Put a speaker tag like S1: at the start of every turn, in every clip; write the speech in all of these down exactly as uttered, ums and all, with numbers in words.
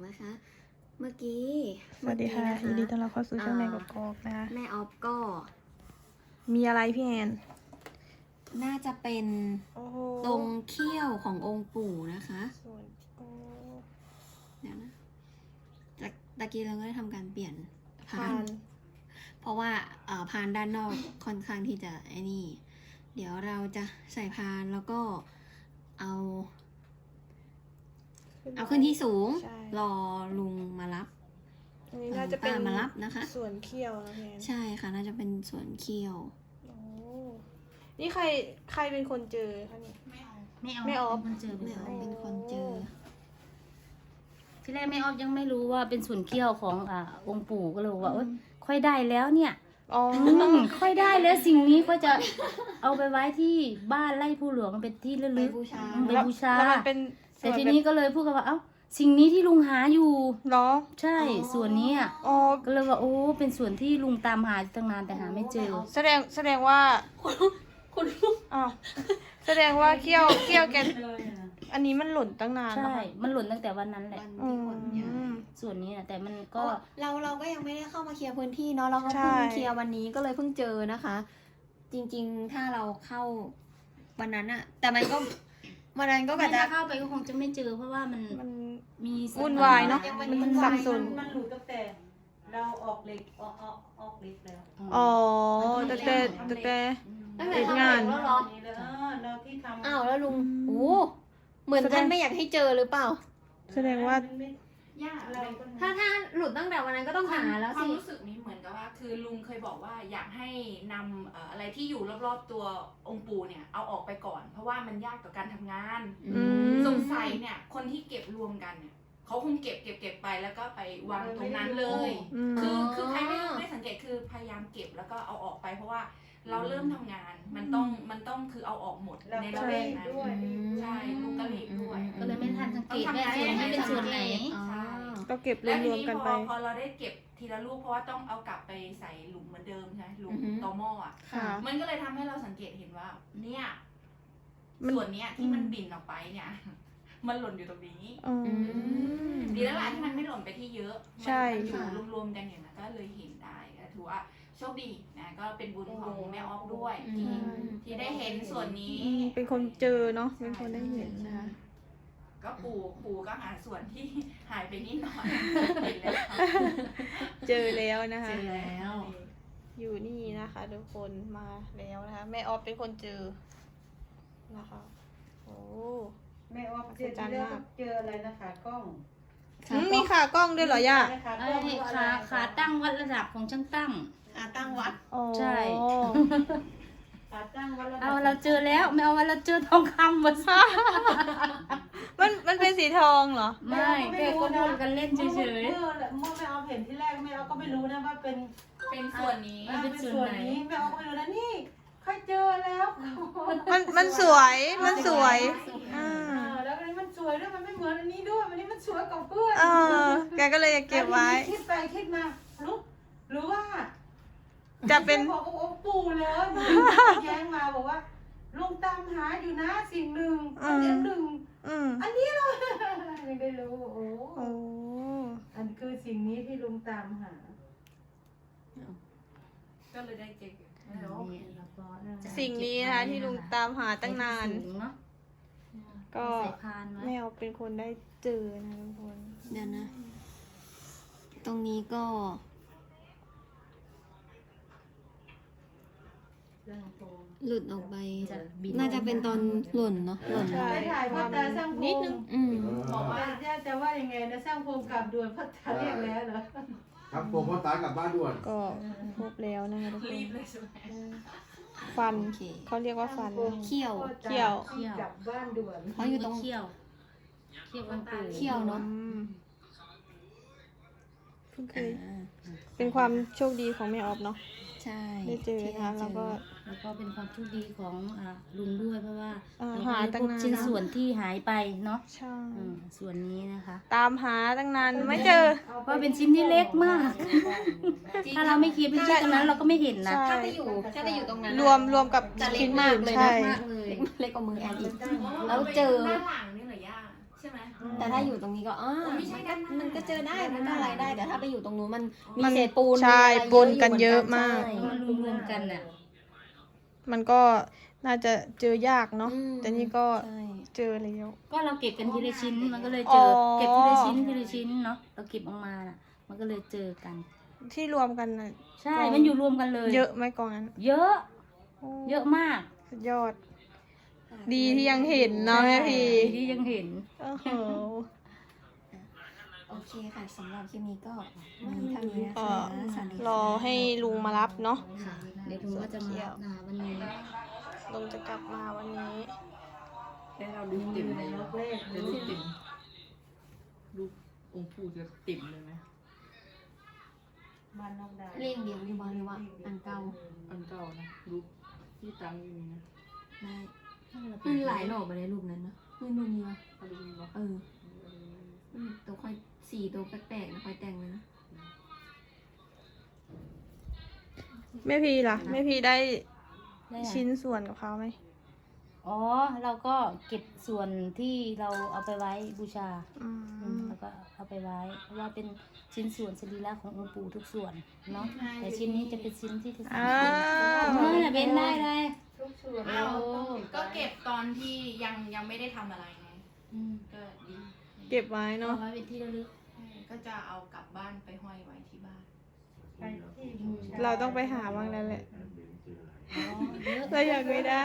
S1: นะคะ เมื่อกี้
S2: สวัสดีค่ะยินดีต้อนรับเข้าสู่ช่องแม่กอกๆนะคะ
S1: แม่ออฟก็
S2: มีอะไรพี่แอน
S1: น่าจะเป็นตรงเขี้ยวขององค์ปู่นะคะเดี๋ยวนะจากตะกี้เราก็ได้ทำการเปลี่ยนพาน เพราะว่าเอ่อพานด้านนอกค่อนข้างที่จะไอ้นี่ เดี๋ยวเราจะใส่พานแล้วก็เอา เอาขึ้นที่สูง รอลุงมารับ
S2: อันนี้น่าจะเป็น
S1: ป้ามารับนะคะ
S2: ส่วนเขี้ยวนะพี่แอน
S1: ใช่ค่ะน่าจะเป็นส่วนเขี้ยว
S2: โอ้นี่ใครใครเป็นคนเจอคะนี่
S3: ไม่เอา
S2: ไม่ออฟ
S3: เป็นคนเจอ
S1: แม่ออฟเป็นคนเจอ
S3: ที่แรกไม่ออฟยังไม่รู้ว่าเป็นส่วนเขี้ยวของอ่าองค์ปู่ก็เลยบอกว่าเอ้ยค่อยได้แล้วเนี่ย
S2: อ๋อ
S3: อืมค่อยได้แล้วสิ่งนี้ก็จะเอาไปไว้ที่บ้านไร่ผู้หลวงเป็นที่ระลึก
S1: ไปบูชา
S3: อืมไปบูชา
S2: แล้วมันเป็น
S3: แต่ทีนี้ก็เลยพูดกันว่าเอ้าสิ่งนี้ที่ลุงหาอยู่
S2: เหรอ
S3: ใช่ส่วนนี้อ่ะ
S2: อ๋อ
S3: ก็เลยว่าโอ้เป็นส่วนที่ลุงตามหาตั้งนานแต่หาไม่เจอ
S2: แสดงแสดงว่า
S1: คุณลุง
S2: อ้าวแสดงว่าเขี้ยวเขี้ยวแกอันนี้มันหล่นตั้งนานแล้ว
S3: ใช่
S2: ค่ะ
S3: มันหล่นตั้งแต่วันนั้นแหละ
S1: วัน
S2: อื
S1: ที่คนย้าย
S2: ม
S3: ส่วนนี้นะแต่มัน
S1: ก็
S3: ก็
S1: เราเราก็ยังไม่ได้เข้ามาเคลียร์พื้นที่เนาะเราก็
S2: ใช่
S1: เพิ่งเคลียร์วันนี้ก็เลยเพิ่งเจอนะคะ จริงๆถ้าเราเข้าวันนั้นอะแต่มันก็วันนั้นก็กะ
S3: ถ้า
S1: จะ
S3: เข้าไปก็คงจะไม่เจอเพราะว่ามัน
S2: มัน
S3: มี
S2: วุ่นวายเนอะ
S1: มัน
S2: มันสับสน
S4: มันหลุดตั้งแต่เราออกเหล็กออกออกออกเหล็กแล้ว
S2: อ๋อแต่แต่แต่แต่
S1: ตั้งแต่
S2: ติด
S1: เข้าง
S2: าน
S1: แล้วเหรอ
S4: นี่แล้วเราที่ทำ
S1: อ้าวแล้วลุงโอ้เหมือนท่านไม่อยากให้เจอหรือเปล่า
S2: แสดงว่า
S4: ยากอะไรก็
S1: ถ้าถ้าหลุดตั้งแต่วันนั้นก็ต้องหาแล้ว
S5: ควา
S1: สิ
S5: มรู้สึกนี้เหมือนกับว่า คือลุงเคยบอกว่าอยากให้นำเอ่ออะไรที่อยู่รอบๆตัวองค์ปู่เนี่ยเอาออกไปก่อน เพราะว่ามันยากต่อการทำงาน
S2: อืม
S5: สงสัยเนี่ยคนที่เก็บรวมกันเนี่ยเขาคงเก็บเก็บเก็บไปแล้วก็ไปวางตรงนั้นเลย
S2: อืม
S5: คือคือใครไม่ไม่สังเกตคือพยายามเก็บแล้วก็เอาออกไป เพราะว่าเราเริ่มทำงาน มันต้องมันต้องคือเอาออกหมด
S4: เรา
S5: ใน
S4: ก็
S5: ระแว
S4: รี
S5: ก
S4: บ
S5: นั้น
S4: ด้วย
S5: ใช่ลุงก็รีบด้วย
S3: ก็เลยไม่ทันสังเกต
S5: ต้อง
S3: ว่า
S5: ทำงาน
S3: ส่วนนี้เป็นส่วนไหน
S1: อ๋อ
S5: ใช่
S2: ก็เก็บร
S5: แล้วที
S2: วม
S5: นี้
S2: ๆกัน
S5: พ
S2: ไป
S5: อพอเราได้เก็บทีละลูกเพราะว่าต้องเอากลับไปใส่หลุมเหมือนเดิมใช่ไหมหลุม
S1: อือฮึ
S5: ตอหม้ออ่ะ
S2: ค่ะ
S5: มันก็เลยทำให้เราสังเกตเห็นว่า เนี่ย
S2: มัน
S5: ส่วนเนี้ยที่มัน
S2: อืม
S5: บิ่นออกไปเนี่ย มันหล่นอยู่ตรงนี้
S2: อ๋อ
S1: ม
S5: ดีแล้วล่ะที่มันไม่หล่นไปที่เยอะ
S2: ใช่
S5: มันอยู่
S1: ค่ะ
S5: รวมๆกันอย่างนั้นก็เลยเห็นได้ก็ถือว่าโชคดีนะก็เป็นบุญของแม่ออฟด้วย
S1: อื
S5: ที่
S1: ม
S5: ที่ได้เห็นส่วนนี้
S2: อืมเป็นคนเจอเนาะเป็นคนได้เห็นนะคะ
S5: ก็ปู่ปู่ก็หาส่วนที่หายไปนิดหน่อยเห็นแล้วค่ะ
S2: เจอแล้วนะคะ
S5: เจอแล้ว
S2: อยู่นี่นะคะทุกคนมาแล้วนะคะแม่ออฟเป็นคนเจอนะคะโอ้
S4: แม่ว่าเจอที่แล้วเจออะไรนะขากล้อง
S2: อืมมีขากล้องด้วยเหรอย่า
S4: ขาก
S3: ไอ้
S4: ล้องว่าอะไร
S3: ขาขาตั้งวัดระดับของช่างตั้ง
S1: อ่าตั้งวัด
S2: โอ้
S3: ใช่
S4: ขาตั้งว่า
S3: เอาเราเจอแล้วไม่เอาว่าเราเจอทองคำมาซะ
S2: มันมันเป็นสีทองเหรอ
S3: ไม่แค่ก็พูดกันเล่นเฉย
S4: เมื่อเมื่อแม่เอาเห็นที่แรกแม่เอาก็ไม่รู้นะว่าเป็น
S5: เป็นส่วนนี้
S4: อ่าเป็นส่วนนี้แม่เอาก็ไม่รู้นะนี่ค่อยเจอแล้ว
S2: มันมันสวยมันสวยอ่า
S4: อ่าแล้วอันนี้มันสวยด้วยมันไม่เหมือนอันนี้ด้วยอันนี้มันสวยกว่าเพื่อน
S2: เออแกก็เลยอยากเก็บไว้
S4: อันนี้คิดไปคิดมารู้หรือว่า
S2: จะเป็น
S4: บอกโอ้ปู่แล้วนะแย้งมาบอกว่าลุงตามหาอยู่นะสิ่งหนึ่งอันนี้หนึ่ง
S2: อืม
S4: อันนี้เลยยังได้รู้โอ้
S2: โอ้
S4: อันคือสิ่งนี้ที่ลุงตามหา
S5: ก็เลยได้เก็บ
S2: สิ่งนี้นะคะที่ลุงตามหา
S3: ๆ
S2: ตั้งนาน
S3: สูงเนาะ
S2: ก็
S3: ใส่พานไว้
S2: แม่ออฟเป็นคนได้เจอนะทุกคน
S1: เดี๋ยวนะ ตรงนี้ก็ หลุดออกไป
S3: จะบิน
S1: น่าจะเป็นตอนหล่นเนาะหล่น
S2: ใช่
S4: ไปถ่ายพ่อตาสร้างพ
S2: นิด
S4: ง
S2: นึง
S1: อืม
S5: บอกว่า
S4: จะจะว่ายังไงนะสร้างพงกลับด่วนพ่อตาเรียกแล้วเหรอ
S6: ครับผมพ่อตากลับบ้านด่วน
S2: ก็ครบแล้วนะคะทุกคน
S5: รีบเลยใช่ไหม
S2: ฟัน
S1: โอเค
S2: เขาเรียกว่าฟัน
S1: เขี้ยว
S2: เขี้ยว
S4: กลับบ้านด่วน
S1: เพราะอยู่ตรง
S3: เขี้ยวเขี้ยวองค์ปู่
S1: เขี้ยวเนาะ
S2: อืมเพิ่งเคยเป็นความโชคดีของแม่ออฟเนาะ
S1: ใช่
S2: ได้เจอนะคะแล้วก็
S3: แล้วก็เป็นความโชคดีของอ่าลุงด้วยเพราะว่า
S2: อ่า
S3: เรา
S2: หา
S3: ได้
S2: ตั้
S3: พ
S2: ง
S3: บ
S2: นาน
S3: ชิ้นส่วนที่หายไปเนาะ
S2: ใช่
S3: อืมส่วนนี้นะคะ
S2: ตามหาตั้งนานไม่เจอ
S3: เพราะเป็นชิ้นที่เล็กมาก ถ้าเราไม่คิดเป็นชิ้นตรงนั้นเราก็ไม่เห็นนะ
S2: ใช่
S1: ถ้าไปอยู่ถ้าไปอยู่ตรงนั้น
S2: รวมรวมกับ
S1: จะเล็
S2: ชิ้
S1: ก
S2: น
S1: มาก
S2: อื่น
S1: เลย
S2: ใช่
S1: นะมากเลยเล็กกว่ามือแอนอีก แล้วเจอ
S5: ด้านหลังนี่เหรอย่าใช่ไหม
S1: แต่ถ้าอยู่ตรงนี้ก็อ่า
S5: ไม่ใช่
S1: มันก็
S5: ด้านหน้ามั
S1: มันก็เจอได้มันก็อะไรได้ แต่ถ้าไปอยู่ตรงนู้นมันมี
S2: มัน
S1: เศษปูน
S2: ใช่
S1: มีอะไร
S2: ปนกันเยอะมาก
S1: ใช่
S3: มันรวมๆกันน่ะ
S2: มันก็น่าจะเจอยากเนาะ
S1: อืม
S2: แต่นี่ก็
S1: ใช่
S2: เจอแล้ว
S3: ก็เราเก็บกันทีละชิ้นมันก็เลย
S2: อ๋
S3: เจ
S2: อ
S3: อเก็บทีละชิ้นทีละชิ้นเนาะเราเก็บออกมาน่ะ มันก็เลยเจอกัน
S2: ที่รวมกันน่ะ
S3: ใช่มันอยู่รวมกันเลย
S2: เยอะไหมกองนั้น
S3: เยอะ
S2: โอ้
S3: เยอะมาก
S2: สุดยอด ดีที่ยังเห็นเนาะแม่พี
S3: ดีที่ยังเห็น
S2: โอ้โห
S1: โอเคค่ะสำหรับคลิปนี้ก็มีเท่านี้นะ
S2: เอ่
S1: คะ
S2: อ
S1: สวัสดีค่ะ
S2: รอให้ลุงมารับเนาะ
S3: ค่ะเดี๋ยวลุงก็จะมารับนาวันนี้
S2: ลุงจะกลับมาวันนี้
S5: ได้เราดูติ่มเลยเนาะเดี๋ยวลูกติ่มลูกองค์ปู่จะติ่มเลยไหม
S4: บ้านน้องดาว
S1: เล่งเดียวอยู่บ้านหรือว่าอันเก่า
S5: อันเก่านะลูกที่ตั้งอยู่นี่นะ
S1: ได้มันหลายหลอกไปเลยรูปนั้นเนอะมันดูนี่วะ
S5: เอาดูนี่เนาะ
S1: เออมันตัวค่อยสีตัวแปลกๆนะค่อยแต่งเลยนะ
S2: แม่พีล่ะแม่พีได้
S3: ได้อะ
S2: ชิ้นส่วนกับเขาไหม
S3: อ๋อเราก็เก็บส่วนที่เราเอาไปไว้บูชา
S2: อื
S3: อืม
S2: ม
S3: แล้วก็เอาไปไว้เพราะว่าเป็นชิ้นส่วนสรีระขององค์ปู่ทุกส่วนเนาะแต่ชิ้นนี้จะเป็นชิ้นที่ที่สำ
S2: อ้า
S3: คัญ
S2: ว
S3: เออเป็นได้เลย
S4: ทุกส่วน
S5: เอาก็เก็บตอนที่ยังยังไม่ได้ทำอะไรไง
S3: อืม
S5: ก็ดี
S2: เก็บไว้
S3: เอา
S2: เนาะ
S3: ไว้เป็นที่ระลึก
S5: ใช่ก็จะเอากลับบ้านไปห้อยไว้ที่บ้าน
S4: ไปที่บูช
S2: เราต้องไปหาบ้างแล้วแหละ
S3: อ๋อเยอะ
S2: เราอยากไม่ได้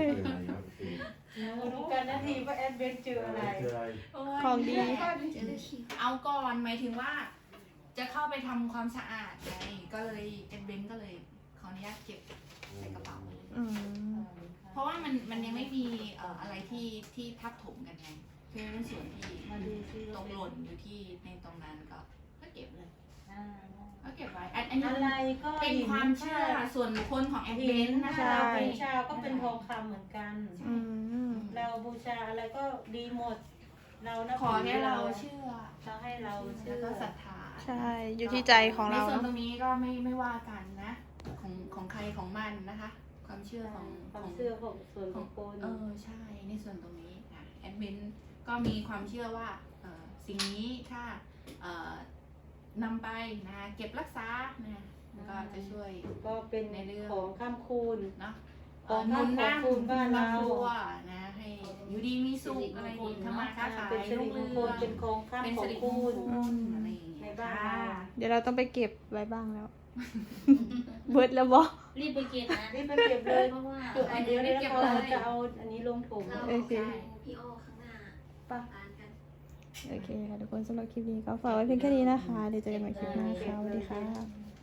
S4: รู้กันนาทีว่าแอดเวนเจออะไร
S2: ของดี
S5: เอาก่อนหมายถึงว่า จะเข้าไปทำความสะอาดไงก็เลยเอ็นเบนก็เลยขออนุญาตเก็บใส่กระเป๋ามาเลย
S2: อืม
S5: เพราะว่ามันมันยังไม่มีเอ่ออะไรที่ที่ทับถมกันไงคือในส่วนที่ตกหล่นอยู่ที่ในตรงนั้นก็ก็เก็บเลยก็เก็บไว้อันอันนี้
S4: อะไรก็
S5: เป็นความเชื่อส่วนบุคคลของแอดเบ
S4: หิ
S5: น
S4: น
S5: นะ
S4: นะคะ
S5: คะ
S4: เราบูชาก็เป็นทองคำเหมือนกัน
S2: อืม
S4: เราบูชาอะไรก็ดีหมด เรานับ
S5: ขอ
S4: ถื
S5: ให้เราเชื่อ
S4: เราให้เราเชื่
S5: แล้ว
S4: อ
S5: ก็ศรัทธา
S2: ใช่ อยู่ที่ใจของเรา
S5: ในส่วน
S2: เนาะ
S5: ตรงนี้ก็ไม่ไม่ว่ากันนะ ของของใครของมันนะคะ ความเชื่อของ
S4: ความ
S5: ของ
S4: เชื่อของส่วนบุคคล
S5: เออใช่ในส่วนตรงนี้นะแอดมินก็มีความเชื่อว่าเอ่อสิ่งนี้ถ้าเอ่อนำไปนะเก็บรักษานะมันก็จะช่วย
S4: ก็เป็น
S5: ในเรื่อง
S4: ของข้ามคูณ
S5: เนาะ
S4: ขอ
S5: เอ่อหนุนน
S4: ขอบคุณบ้านเรา
S5: ครอบครัวนะให้อยู่ดีมีสุขอะไรดีทำมาค้าขาย
S4: เป็นสิริมงคลเป็นของข้าม
S5: เป็น
S4: ขอ
S5: สิ
S4: ง
S5: ริม
S4: คู
S5: ง
S4: ณ
S5: คลอะไรอย่างเงี้ย
S4: ในบ้านเรา
S5: ค่ะ
S2: เดี๋ยวเราต้องไปเก็บไว้บ้างแล้ว เบิดแล้วบ่
S3: รีบไปเก็บนะ
S4: รีบไปเก็บเลย
S3: เพราะว่า
S4: จุดอันเดียวแล้วเราจะเอาอันนี้ลงถุง
S1: เรา
S2: โอเค
S1: พี่โอข้างหน้า
S2: ไป
S1: ทานกัน
S2: โอเคค่ะทุกคนสำหรับคลิปนี้ก็ฝากไว้เพียงแค่นี้นะคะ เดี๋ยวเจอกันใหม่คลิปหน้าค่ะสวัสดีค่ะ